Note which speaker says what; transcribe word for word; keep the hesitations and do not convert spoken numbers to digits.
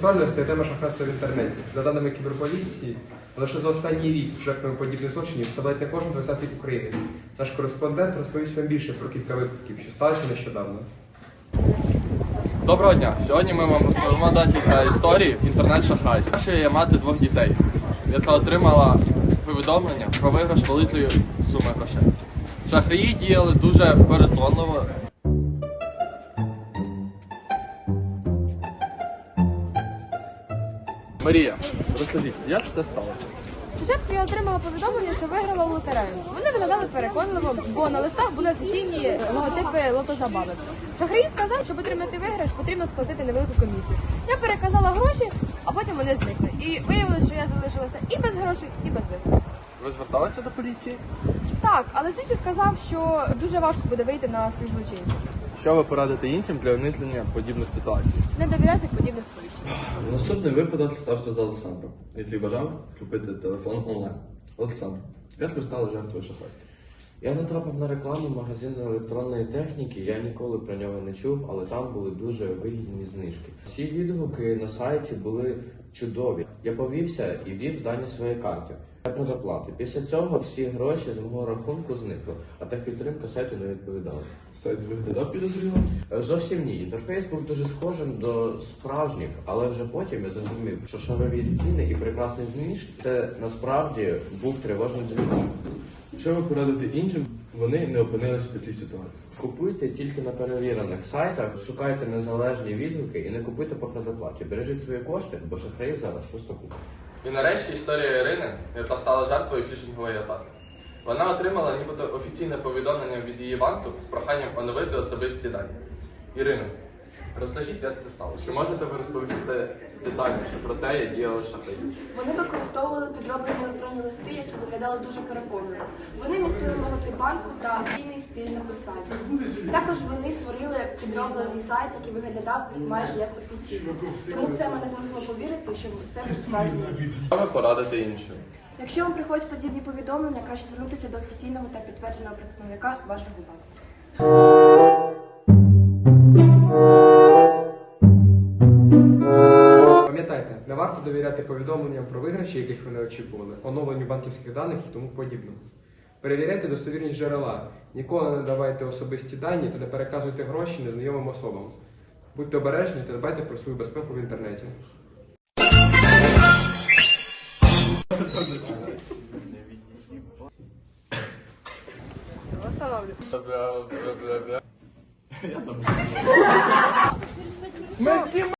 Speaker 1: актуальною стає тема шахрайства в інтернеті. За даними кіберполіції, лише за останній рік жертвами подібних злочинів ставить не кожен двадцятий українець. Наш кореспондент розповість вам більше про кілька випадків, що сталося нещодавно.
Speaker 2: Доброго дня! Сьогодні ми вам розповімо декілька історій інтернет-шахрайств. Першою є мати двох дітей, яка отримала повідомлення про виграш великої суми грошей. Шахраї діяли дуже переконливо. Марія, розкажіть, як це сталося?
Speaker 3: Спочатку я отримала повідомлення, що виграла в лотерею. Вони виглядали переконливо, бо на листах були офіційні логотипи лотозабавок. Шахраї сказали, щоб отримати виграш, потрібно сплатити невелику комісію. Я переказала гроші, а потім вони зникли. І виявилося, що я залишилася і без грошей, і без виграшу.
Speaker 2: Ви зверталися до поліції?
Speaker 3: Так, але слідчий сказав, що дуже важко буде вийти на слід злочинців.
Speaker 2: Що ви порадите іншим для уникнення подібних ситуацій?
Speaker 3: Не довіряти подібне сповіщення.
Speaker 4: Наступний випадок стався з Олександром, який бажав купити телефон онлайн. Олександр, як ви стали жертвою шахрайства?
Speaker 5: Я натрапив на рекламу магазину електронної техніки, я ніколи про нього не чув, але там були дуже вигідні знижки. Всі відгуки на сайті були чудові. Я повівся і ввів дані своєї карти для предоплати. Після цього всі гроші з мого рахунку зникли, а техпідтримка сайту не відповідала.
Speaker 4: Сайт виглядав підозріло?
Speaker 5: Зовсім ні. Інтерфейс був дуже схожим до справжніх, але вже потім я зрозумів, що шарові ціни і прекрасні знижки – це насправді був тривожним дзвінком.
Speaker 4: Що ви порадите іншим, вони не опинились в такій ситуації?
Speaker 5: Купуйте тільки на перевірених сайтах, шукайте незалежні відгуки і не купуйте по предоплаті. Бережіть свої кошти, бо шахраїв зараз просто купа.
Speaker 2: І нарешті історія Ірини, яка стала жертвою фішингової атаки. Вона отримала нібито офіційне повідомлення від її банку з проханням оновити особисті дані. Ірино, розкажіть, як це сталося? Чи можете ви розповісти детальніше про те, як діяли шахраї?
Speaker 6: Вони використовували підроблені електронні листи, які виглядали дуже переконливо. Вони містили логотип банку та офіційний стиль написання. Також вони створили підроблений сайт, який виглядав майже як офіційний. Тому це мене змусило повірити, що це був справжній лист.
Speaker 2: Що ви порадите іншим?
Speaker 6: Якщо вам приходять подібні повідомлення, краще звернутися до офіційного та підтвердженого представника вашого банку.
Speaker 1: Пам'ятайте, не варто довіряти повідомленням про виграші, яких ви не очікували, оновленню банківських даних і тому подібному. Перевіряйте достовірність джерела, ніколи не давайте особисті дані та не переказуйте гроші незнайомим особам. Будьте обережні та дбайте про свою безпеку в інтернеті.
Speaker 3: Остановлю.
Speaker 2: Я там.